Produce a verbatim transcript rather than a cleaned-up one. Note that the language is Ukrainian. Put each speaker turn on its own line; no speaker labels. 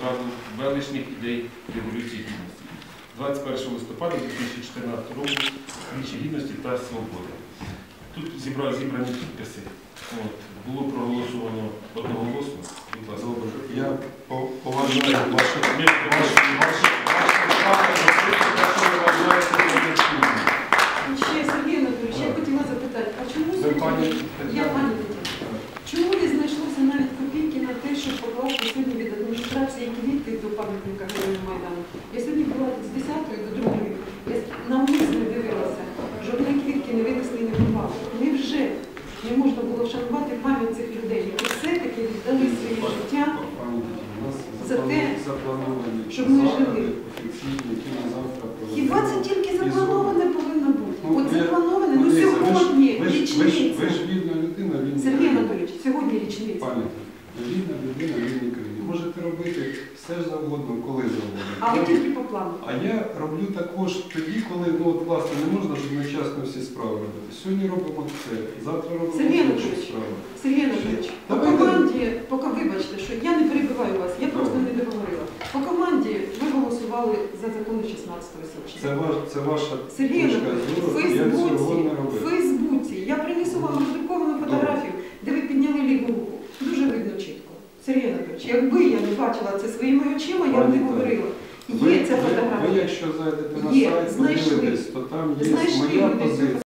величних ідей Революції Гідності. двадцять першого листопада дві тисячі чотирнадцятого року Вічі Гідності та Свободи. Тут зібрані підписи. От, було проголосовано одноголосно. Будь ласка.
Я поважаю ваше
Ще, Сергій Анатолійович, я хотіла запитати, а чому сьогодні, я пані Тетяна, чому не знайшлося навіть копійки на те, щоб покласти сьогодні від адміністрації квіти до пам'ятника Героїв Майдану? Я сьогодні була з десятої до другої, я навмисно дивилася, жодної квітки не винесли і не попали. Невже не можна було вшанувати пам'ять цих людей, які все-таки віддали своє життя за те, щоб ми жили? Хіба це тільки заплановане повинно бути? От заплановане, ну сьогодні річниця.
Ви ж вільна людина, вільна.
Сергій Анатолійович, сьогодні річниця.
Пані, вільна людина, вільній країні. Можете робити все завгодно, коли завгодно.
А ви тільки по плану.
А я роблю також тоді, коли, ну от власне, не можна ж одночасно всі справи робити. Сьогодні робимо це, завтра робимо
Сергій
інші
Анатолійович,
справи.
Сергій Анатолійович, по
Давайте.
команді, поки вибачте, що я не перебиваю вас, я просто не договорила. По команді ви голосували за закони шістнадцятого січня.
Це, ваш, це ваша
Сергій
точка
Анатолійович,
зору,
в
я цього
Фейсбуці,
не
в
робив.
Фейсбуці, я принесу вам роздруковану фотографію, де ви підняли ліву руку. Дуже видно чітко. Сергій Анатолійович, якби я не бачила це своїми очима, я б не говорила. Є
Ви,
ця
ви,
фотографія.
ви якщо зайдете на
Є,
сайт,
знайшли.
подивитесь, то там є
Знайшли
моя
люди цю
позиція.